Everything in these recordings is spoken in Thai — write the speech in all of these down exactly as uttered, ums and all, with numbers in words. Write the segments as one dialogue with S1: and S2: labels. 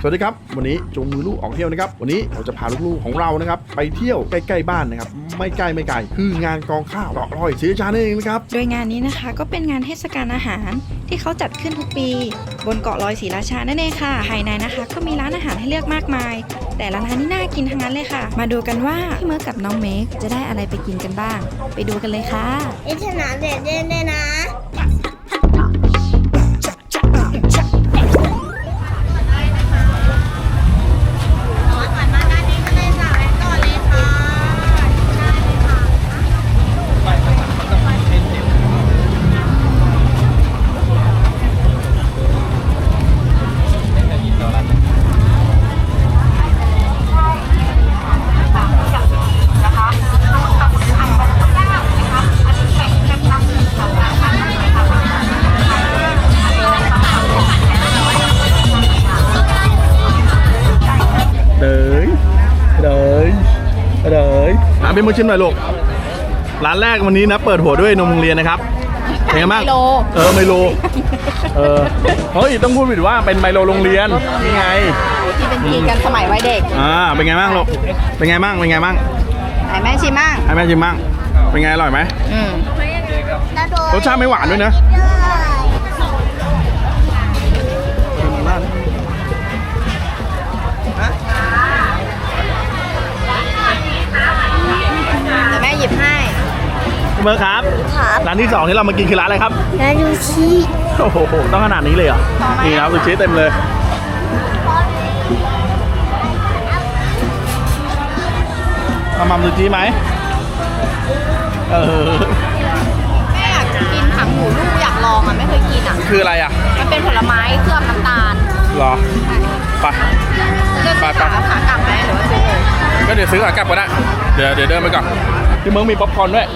S1: วัสดีครับวันนี้จูงมือลูกออกเที่ยวนะครับวันนี้เราจะพาลูกๆของเรานะครับไปเที่ยวใกล้ๆบ้านนะครับไม่ใกล้ไม่ไกลคืองานกองข้าวเกาะลอยศรีราชาเองนะครับ
S2: โดยงานนี้นะคะก็เป็นงานเทศกาลอาหารที่เขาจัดขึ้นทุกปีบนเกาะลอยศรีราชานั่นเองค่ะภายในนะคะก็มีร้านอาหารให้เลือกมากมายแต่ละร้านนี่น่ากินทั้งนั้นเลยค่ะมาดูกันว่าพี่เมิร์กกับน้องเมกจะได้อะไรไปกินกันบ้างไปดูกันเลยค่ะ
S3: ไอ้ชนะเด็ดเด่นเลยนะ
S1: เป็นมือชิมหน่อยลูกร้านแรกวันนี้นะเปิดหัวด้วยนมโรงเรียนนะครับเป็นไงบ้างไมโลเออไมโลเออเฮ้ยต้องพูดผิดว่าเป็นไมโลโรงเรียนนี่ไง
S2: ที่เป็นกินกันสมัยวัยเด็ก
S1: อ่าเป็นไงบ้างลูกเป็นไงบ้างเป็นไงบ้าง
S2: ให้แม่ชิมบ้าง
S1: ให้แม่ชิมบ้างเป็นไงอร่อยไหมอืมรสชาติไม่หวานด้วยนะ
S2: แม่หยิบให้
S1: เมื่อครับร้านที่สองที่เรามากินคือร้านอะไรครับ
S3: ร้านซูชิ
S1: โอ้โหต้องขนาดนี้เลยเหรอนี่ครับซูชิเต็มเลยมามัมซูชิไหมเออ
S2: แม่อยากกินถังหมูลูกอยากลองอ่ะไม่เคยกินอ่ะ
S1: คืออะไรอ่ะ
S2: มันเป็นผลไม้เคลือบน้ำตาล
S1: หรอไป
S2: ไปไปขากลับไหมหรือว่าซื้อเลย
S1: ก็เดี๋ยวซื้อขากลับก็ได้เดี๋ยวเดี๋ยวเดินไปก่อนที่เมืองมีป๊อปคอร์นด้วย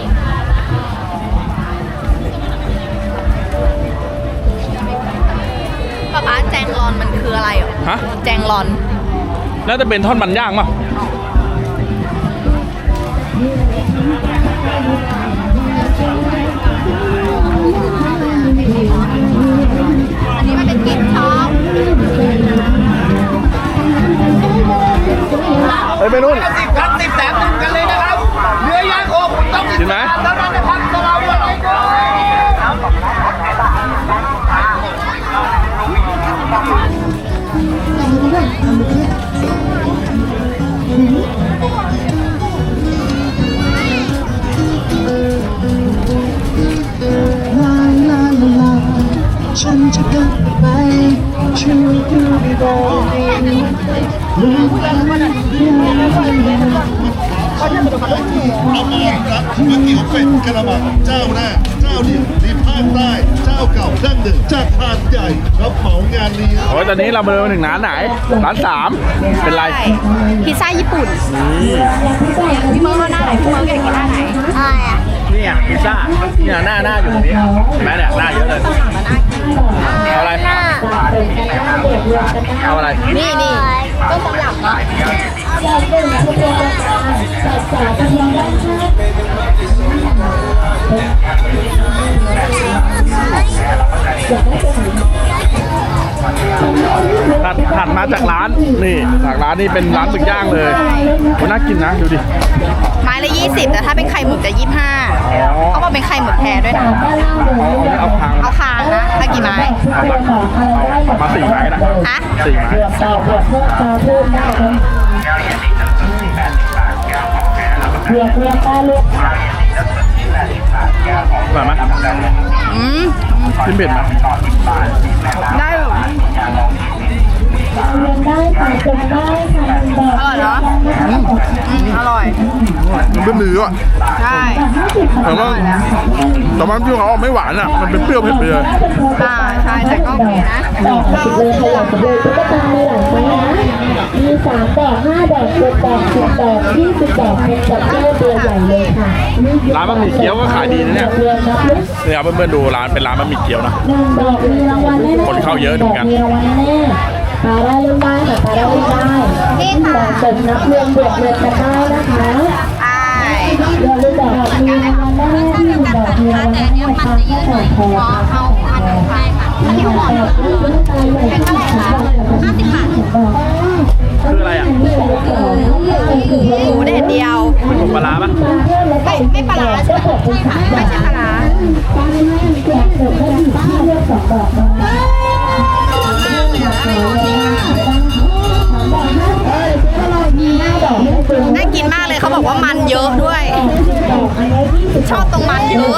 S2: ป๊าป๊าแจงรอนมันคืออะไรอ่ะ
S1: ฮะ
S2: แจงรอน
S1: น่าจะเป็นทอดมันย่างป่ะ
S2: อันนี้มันเป็นกิ๊บช็อป
S1: เฮ้ยไปนู่น
S4: สิบคันสิบแสนหนึ่งกันเลยนะครับเรือยางโคคุณต้องสิบแสนเท่านั้นนะครับสำหรับวันนี้ก็ฉันจะเดินไปช่วยดูได้รู้ว่ามันเป็นอะไรก๋วยเตี๋ยวเป็ดกระมังเจ้าแรกเจ้าเดียวในภาคใต้เจ้าเก่าดั้งเดิมจากหาดใหญ่รับเหมางานนี้
S1: โอ้ยตอนนี้เราเดินมาถึงร้านไหนร้านสามเป็นไร
S2: พิซซ่าญี่ปุ่นพี่เมิร์กหน้าไหนพี่เมิร์กอยากกินหน้าไหน
S3: อะไรอ่ะ
S1: นี่อ่ะพิซซ่าเนี่ยหน้าหน้าอยู่ตรงนี้เห็นไหมเนี่ยหน้าเยอะเลยเอาอะไรเอาอะไร
S2: นี่นี่ต้นตำรับเนาะ
S1: ถัดถัดมาจากร้านนี่จากร้านนี่เป็นร้านหมึกย่างเลยมันน่ากินนะดูดิ
S2: ไม้ละยี่สิบแต่ถ้าเป็นไข่หมึกจะยี่สิบห้าเขาบอกเป็นไข่หมึกแท้ด้วยนะ
S1: เอาคาง
S2: เอาคางนะถ้ากี่ไม้
S1: เอามาสี่ไม้นะ
S2: ฮะ
S1: สี่ไม้
S3: เรียกเรียกได้ลูก
S1: แบบไหม
S2: อืม
S1: กินเผ็ดไหม
S2: ได้หรอ
S3: ได้ค่ะจนได้ค่ะ
S2: อร่อยเนาะอืมอร่อย
S1: มันเป็นเนื้อ
S2: ใช่
S1: แต่ว่าแต่ว่าที่เขาไม่หวานอ่ะมันเป็นเปรี้ยวเผ็ดไปเลย
S2: อ่าใช่แต่ก็โอเคนะ
S3: ดอกสิบเลยขยับเลยตุ๊กตาในหลังนะมีสามดอกห้าดอกเจ็ดดอกสิบดอกยี่สิบดอกเป็นจับเจ้าตัวใหญ่เลยค่ะ
S1: ร้านบะหมี่เกี๊ยวก็ขายดีนะเนี่ยเนี่ยเพื่อนๆดูร้านเป็นร้านบะหมี่เกี๊ยวนะคนเข้าเยอะเหมือนกัน
S3: ตาได้ลูกได้ค่ะตาได้ลูกได้นี่ค่ะเสริมนับเรียงบวกเรียงกันได้นะคะ
S2: ใช่
S3: เรียนรู้แบบมีรางวัลได้ที่ดอกมีรางวัลได้ค่ะแค่ดอกทองค่ะที่หัวเป็นเท่าไหร่คะห้าสิบบาท
S1: คืออะไรอ่ะ
S2: หมูแดดเดียว
S1: เป็นหมูปลาร้าปะ
S2: ไม่ไม่ปลาร้าใช่ไหมใช่ค่ะไม่ใช่ปลาร้า น่ากินมากเลยเขาบอกว่ามันเยอะด้วย ชอบตรงมันเยอะ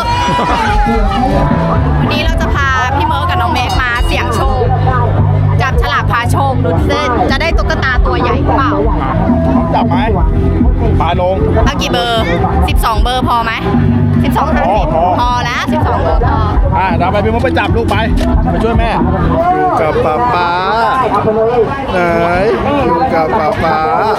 S2: วันนี้เราจะพาพี่เมิร์กกับน้องเมฆมาเสี่ยงโชค จับฉลากพาโชคดูสิจะได้ตุ๊กตาตัวใหญ่เปล่า
S1: จับไหมปลาลง
S2: เอากี่เบอร์ สิบสอง เบอร์พอไหมสิบสอง ห้าสิบ
S1: พอ
S2: พอแล้วสิบสอง เบอร์พอ
S1: อ่ะเดี๋ยวไปพี่มุกไปจับลูกไปไปช่วยแม่อยู่กับป๊าป๊าไหนอยู่กับป๊าป๊า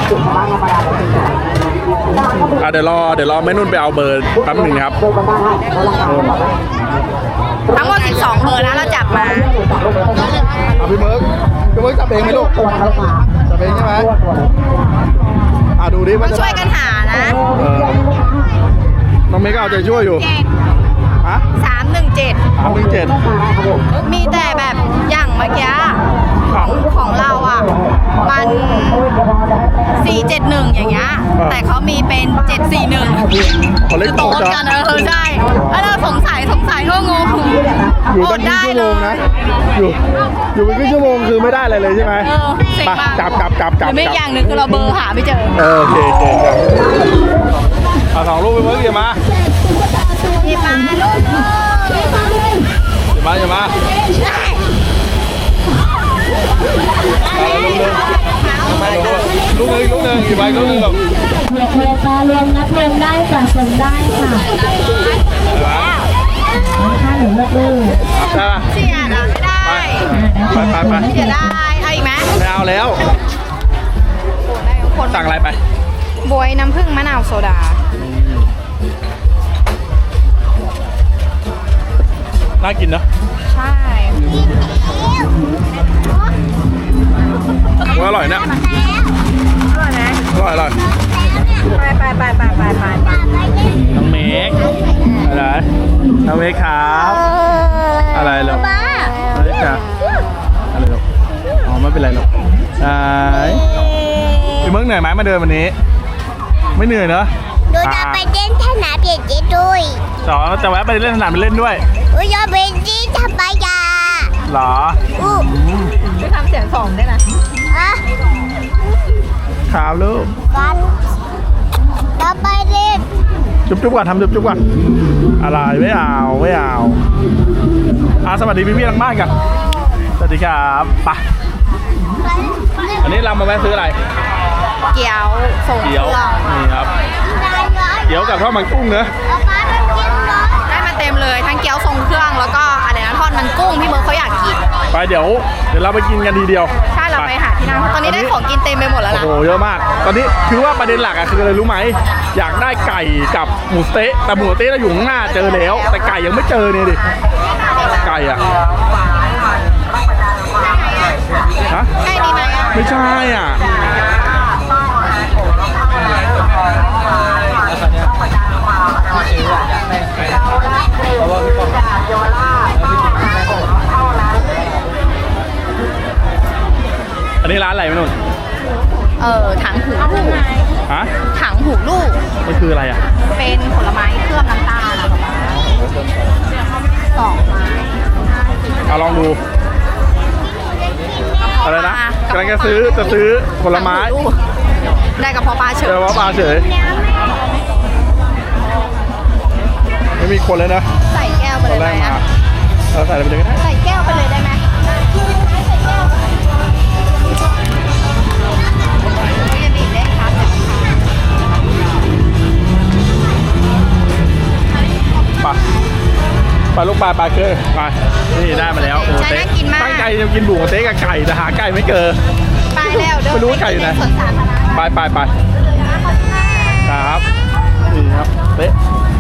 S1: อ่ะเดี๋ยวรอเดี๋ยวรอแม่นุ่นไปเอาเบอร์แป๊บหนึ่งนะครับนุ่น
S2: ทั้งหมดสิบสอง เบอร์นะเราจับมา
S1: เอาพี่เมิร์กพี่เมิร์กจับเองไหมลูกจับเองใช่ไหมอ่ะดูดิ
S2: ต้
S1: ว่า
S2: อง
S1: จะ
S2: ช่วยกันหานะ
S1: เออน้องเมย์ก็เอาใจช่วยอยู่
S2: เก่ง
S1: ฮะ
S2: สามหนึ่งเจ็ด
S1: สามหนึ่งเจ็ด
S2: มีแต่แบบอย่างเมื่อกี้ของของเราอ่ะ มันสี่เจ็ดหนึ่งอย่างเงี้ย แต่เขามีเป็นเจ็ดสี่หนึ่ง
S1: คนเล็ก
S2: คือ
S1: โต
S2: โต๊ด
S1: จ้ะ
S2: กันเออใช่แล้วเราสงสัยสงสัยก็งง
S1: อยู่
S2: โอ
S1: ตั้
S2: ด
S1: งครึ่ง
S2: ได้
S1: ชั่ว
S2: เล
S1: โมง
S2: ย
S1: นะ อยู่ อยู่เป็นครึ่งชั่วโมงคือไม่ได้อะไรเลยใช่ไหม
S2: เออเซ็ง
S1: ไป
S2: มาก
S1: จับจับจับ
S2: ห
S1: จับ
S2: รือไม่
S1: จับ
S2: อย่างหนึ่งคือเราเบอร์หาไม่เจอ
S1: เออโอเคโอเคครับเอาสองลูกไปเมื่อกี้มา
S2: หยิบมาลูก
S1: อย่ามาอย่ามาลูกหนึ่งลูกหนึ่งกี่ใบลูกหนึ่งหรอก
S3: เวลารวมนับรวมได้สะสมได้ค่ะค่าหนูเลือกเลย
S1: ได้ปะ
S2: เสียดอะไม่ได้
S1: ไปไปไป
S2: เสียได้เอาอีกไหม
S1: ไม่เอาแล้ว
S2: โอ้ได้ทุกคน
S1: สั่งอะไรไป
S2: บวยน้ำผึ้งมะนาวโซดา
S1: น่ากินเนอะ
S2: ใช่
S1: ว่าอร่อยเนี่ย
S2: อร่อยไหม
S1: อร่อยอร่อย
S2: ไปไปไปไปไปไป
S1: น้องเมกอะไรน้องเมกครับอะไรหรออะไรจ้ะอะไรหรออ๋อไม่เป็นไรหรอกไอ้พี่เมิร์กเหนื่อยไหมมาเดินวันนี้ ไม่เหนื่อยเนอะ
S3: หนูจะไปเล่นสนามเด็กเจ๊ด้วย
S1: สองจะแวะไปเล่นสนามไปเล่นด้วย
S3: หนูจะไปที่ทำปายา
S1: เหรอ
S3: อู้
S2: ไปทำเสียงสองได้นะ
S3: อะ
S1: ครับลูก
S3: กันจะไปเล่น
S1: จุ๊บจุ๊บก่อนทำจุ๊บจุ๊บก่อนอะไรไม่เอาไม่เอาอ่ะสวัสดีพี่พี่ๆทางบ้านกันสวัสดีครับไปอันนี้เรามาแวะซื้ออะไร
S2: เกี๊ยวส่งเค
S1: เกี๊ยว
S2: รื่อง
S1: นี่ครับเกี๊ยวกับทอดมันกุ้งเนอะ
S2: ได้มาเต็มเลยทั้งเกี๊ยวทรงเครื่องแล้วก็อะไรนะทอดมันกุ้งพี่เมิร์กเขาอยากกิน
S1: ไปเดี๋ยวเดี๋ยวเราไปกินกันทีเดียว
S2: ใช่เราไปหาที่นั่งตอนนี้ได้ของกินเต็มไปหมดแล้ว
S1: โอ้
S2: นะ
S1: โหเยอะมาก ตอนนี้คือว่าประเด็นหลักอะคืออะไรรู้ไหมอยากได้ไก่กับหมูสะเต๊ะแต่หมูสะเต๊ะเราอยู่ข้างหน้าเจอแล้ว แต่ไก่ยังไม่เจอเนี่ยดิไก่อะฮะ
S2: ใช่ดีไหมอะ
S1: ไม่ใช่อ่ะอันนี้ร้านอะไรไม่นุ่น
S2: เออถังหูลูก
S1: ฮะ
S2: ถังหูลูก
S1: มันคืออะไรอ่ะ
S2: เป็นผลไม้เคลือบน้ำตาลอะสองไม้
S1: เอาลองดูอะไรนะกำลังจะซื้อจะซื้อผลไม้
S2: ถังหูลูกได้กับพอปลาเฉ
S1: เจ
S2: ย
S1: อว่าปลาเฉยไม่มีคนเลยนะ
S2: ใส่แก้วไป
S1: ต
S2: เล
S1: อน
S2: ย
S1: แร
S2: ไหม
S1: กมา
S2: อะ
S1: เราใส่อะไรไปเลยก็ได้
S2: ใส่แก้วไปเลยได้ไหมใส่แก้วจะบีบได้ครับ
S1: ไปไปลูกปลาปลาเกอร์ไปนี่ได้มาแล้วโอ้เต๊ะตั้งใจจะกินบุกเต๊ะกับไก่แต่หาไก่ไม่เจอ
S2: ไปแล้วเดิน
S1: ไม่รู้ว่าไก่อยู่ไหน
S2: สวนสาธารณะ
S1: ไปไปไปครับนี่ครับเต๊ะ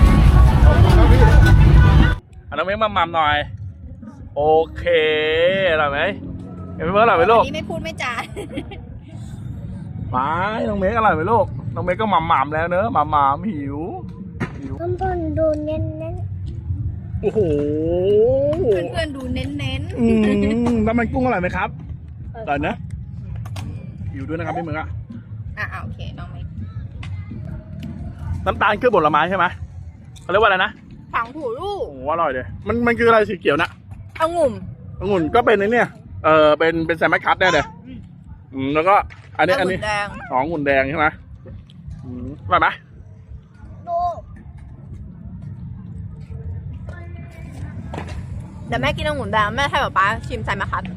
S1: เอาน้องเม้งมาหม่ำหน่อยโอเคอร่อยไหมเห็นไหมเมื่ออร่อยไหมลูก
S2: นี่ไม่พูดไม่จา
S1: ไปน้องเม้งอร่อยไหมลูกน้องเม้งก็หม่ำหม่ำแล้วเนอะหม่ำหม่ำหิวหิว
S3: ข้างบนดูเน้นเน้น
S1: อโอ้โห
S2: เพื่อนๆดูเน้น
S1: อืมน้ำมันกุ้งอร่อยไหมครับอร่อยนะอยู่ด้วยนะครับพี่เมืองอะ
S2: ๆอ่ะโอเคน้องเมก
S1: น้ำตาลคือผลไม้ใช่ไหมเขาเรียกว่าอะไรนะ
S2: ถังหูลูก
S1: โอ้โหอร่อยเลยมันมันคืออะไรสีเขียวนะ
S2: องุ่ม
S1: องุ่นก็เป็นไอ้เนี่ยเออเป็นเป็นแซมคัตแน่เลยอืมแล้วก็อันนี้อันนี้
S2: แดง
S1: อ๋อองุ่นแดงใช่ไหมอืมอร่อยไหม
S2: เดี๋ยวแม่กินองุ่นแดงแม่ให้ป๊าป๊าชิมใส่มะขัด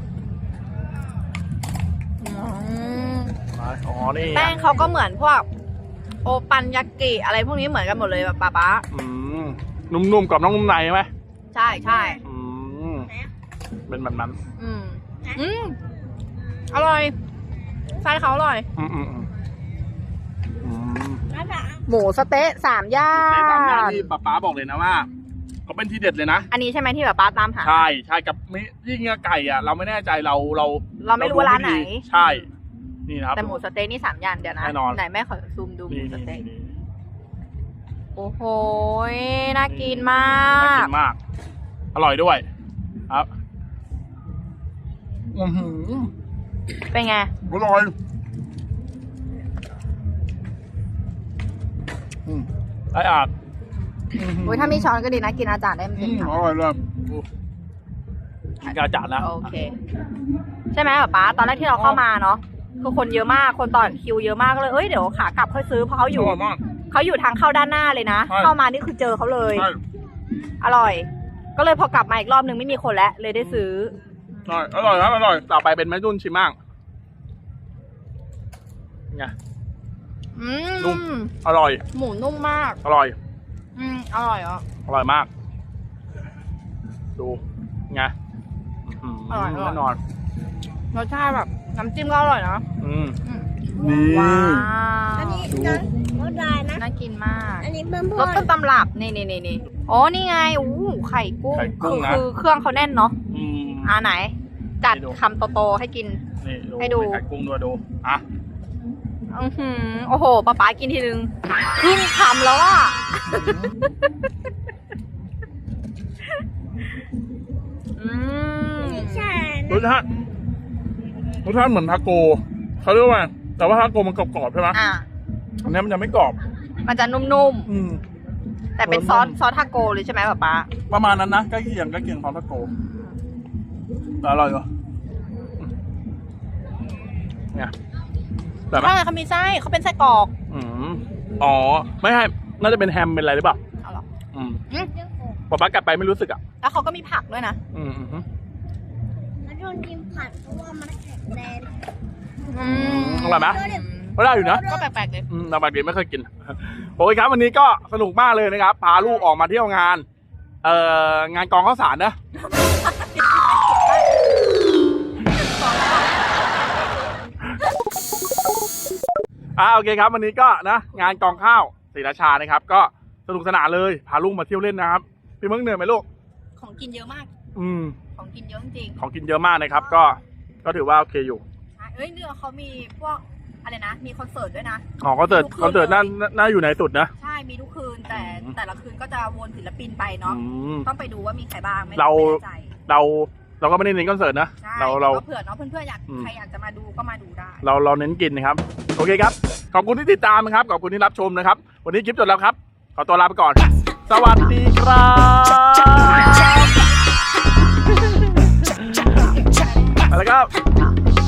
S1: อ๋อนี่
S2: แป้งเขาก็เหมือนพวกโอปันยากิอะไรพวกนี้เหมือนกันหมดเลยแบบป๊าป๊า
S1: อืมนุ่มๆกับน้องนุ่มในใช่ไหม
S2: ใช่ใช่
S1: อืมเป็นแบบนั้น
S2: อืมอืมอร่อยไส้เขาอร่อย
S1: อืมอืมอืมอืม
S2: หมูสะเต๊ะสามย่า
S1: ในสามอย่าง
S2: น
S1: ที่ป๊าป๊าบอกเลยนะว่าเขาเป็นทีเด็ดเลยนะ
S2: อันนี้ใช่ไหมที่แบบป๊าตามหา
S1: ใช่ใช่กับมิยิ่งไก่อ่ะ เราไม่แน่ใจเราเรา
S2: เราไม่รู้ว่าร้านไหน
S1: ใช่นี่นะครับ
S2: แต่หมูสะเต๊ะนี่สามย่านเดี๋ยวนะ
S1: แน่นอน
S2: ไหนแม่ขอซูมดูหมู
S1: นี่
S2: สะ
S1: นี่
S2: เต๊ะ
S1: นี่
S2: โอ้โหน่ากินมา
S1: น่ากิ
S2: ก
S1: นมาก อร่อยด้วย ครับอือหือ
S2: เป็นไง
S1: อร่อยอืมไอ้อาด
S2: โอ้ยถ้ามีช้อนก็ดีนะกินอาจารย์ได้มัน
S1: อื
S2: เป็น
S1: ม
S2: ค
S1: อร่อยเลยกินกาจัดนะ
S2: ำโอเค ใช่ไหมป๊าป๊าตอนแรกที่เราเข้ามาเนาะคือคนเยอะมากคนต่อคิวเยอะมากก็เลยเอ้ยเดี๋ยวขากลับค่อยซื้อเพราะเขาอยู่
S1: อร่อยมาก
S2: เขาอยู่ทางเข้าด้านหน้าเลยนะ
S1: ใช่
S2: เข้ามานี่คือเจอเขาเลย
S1: ใช่
S2: อร่อย ก็เลยพอกลับมาอีกรอบนึงไม่มีคนแล้วเลยได้ซื้อ
S1: ใช่อร่อยครับอร่อยต่อไปเป็นแม่นุ่นชิมมั่งไง
S2: อื
S1: นุ่ม
S2: ม
S1: อร่อย
S2: หมูนุ่มมาก
S1: อร่อย
S2: อืมอร่อยอ่ะ
S1: อร่อยมาก ดูไงอื้อหื
S2: อร่อยอร่อย
S1: แน่นอน
S2: รสชาติแบบน้ำจิ้มก็อร่อยนะ
S1: อืม
S2: อืม
S1: นี่
S2: ว้าว
S3: อันนี้นะรสลายนะ
S2: น่ากินมาก
S3: อันนี้เพิ่ม
S2: ร
S3: เพิ่
S2: ส
S3: ม
S2: ต้นตำรับนี่นี่นี่นี่อ๋อนี่ไงอู้ไข่กุ้ง
S1: ไข่กุ้
S2: คื
S1: ง
S2: อ
S1: นะ
S2: คือเครื่องเขาแน่นเนาะ
S1: อืม
S2: อ่าไหน จัด
S1: ให้ดู
S2: คำโตๆให้กิน
S1: นี่
S2: ให้ดู
S1: มีไข่กุ้งด้วยดูอ่ะ
S2: อือหือโอ้โหป๊าป๊ากินทีนึงครึ่งคำแล้วอ่ะ อืม
S3: ใช่
S1: รสชาติรสชาติเหมือนทาโก้เขาเรียกว่าแต่ว่าทาโก้มันกรอบๆใช่ไหม
S2: อ่ะ
S1: อันนี้มันจะไม่กรอบ
S2: มันจะนุ่ม
S1: อืม
S2: ๆ แต่เป็นซอสซอสทาโกเลยใช่ไหมป๊าป๊า
S1: ประมาณนั้นนะใกล้เคียงใกล้เคียงของทาโก้แต่อร่อยกว่าเนี่ยแบบไหม
S2: ใช่เขามีไส้เขาเป็นไส้กรอก
S1: อืมอ๋อ ไม่ใช่น่าจะเป็นแฮมเป็นอะไรหรือเปล่า
S2: เอาเหรอ
S1: อืม
S2: อืม
S1: ป๊าป๊ากัดไปไม่รู้สึกอ่ะ
S2: แล้วเขาก็มีผักด้วยนะ
S1: อืมอืมอืม
S3: แล้วโดนกินผัดเพราะว่ามันแข็งแรง
S2: อื
S1: อร่อยไหมก็ได้อยู่นะ
S2: ก็แปลกๆเลย
S1: อืมแต่บางทีไม่เคยกิน โอเคครับวันนี้ก็สนุกมากเลยนะครับ พาลูกออกมาเที่ยวงาน เอ่องานกองข้าวสารนะ อ่าโอเคครับวันนี้ก็นะงานกองข้าวศรีราชานะครับ ก็สนุกสนานเลยพาลูกมาเที่ยวเล่นนะครับพี่เมึงเหนื่อยไหมลูก
S2: ของกินเยอะมาก
S1: อืม
S2: ของกินเยอะจริง
S1: ของกินเยอะมากนะครับ ก็ก็ถือว่าโอเคอยู่
S2: ๆใช่เอ้ยเนี่ยเขามีพวกอะไรนะ มีคอนเสิร์ตด้วยนะ
S1: อ๋อคอนเสิร์ตคอนเสิร์ตน่าน่าอยู่ในสุดนะ
S2: ใช่ มีทุกคืน แต่
S1: อืม
S2: แต่ละคืนก็จะวนศิลปินไปเนาะ
S1: อืม
S2: ต้องไปดูว่ามีใครบ้างไม่
S1: เรา
S2: ไม่แน่ใจ
S1: เราเราก็ไม่ได้เน้นคอนเสิร์ตนะ
S2: ใช่
S1: เราเรา
S2: ก็เผื่อเนาะเพื่อนๆอยาก
S1: อืม
S2: ใครอยากจะมาดูก็มาดูได้
S1: เราเราเน้นกินนะครับ โอเคครับ ขอบคุณที่ติดตามนะครับ ขอบคุณที่รับชมนะครับ วันนี้คลิปจบแล้วครับ ขอตัวลาไปก่อน สวัสดีครับแล้วก็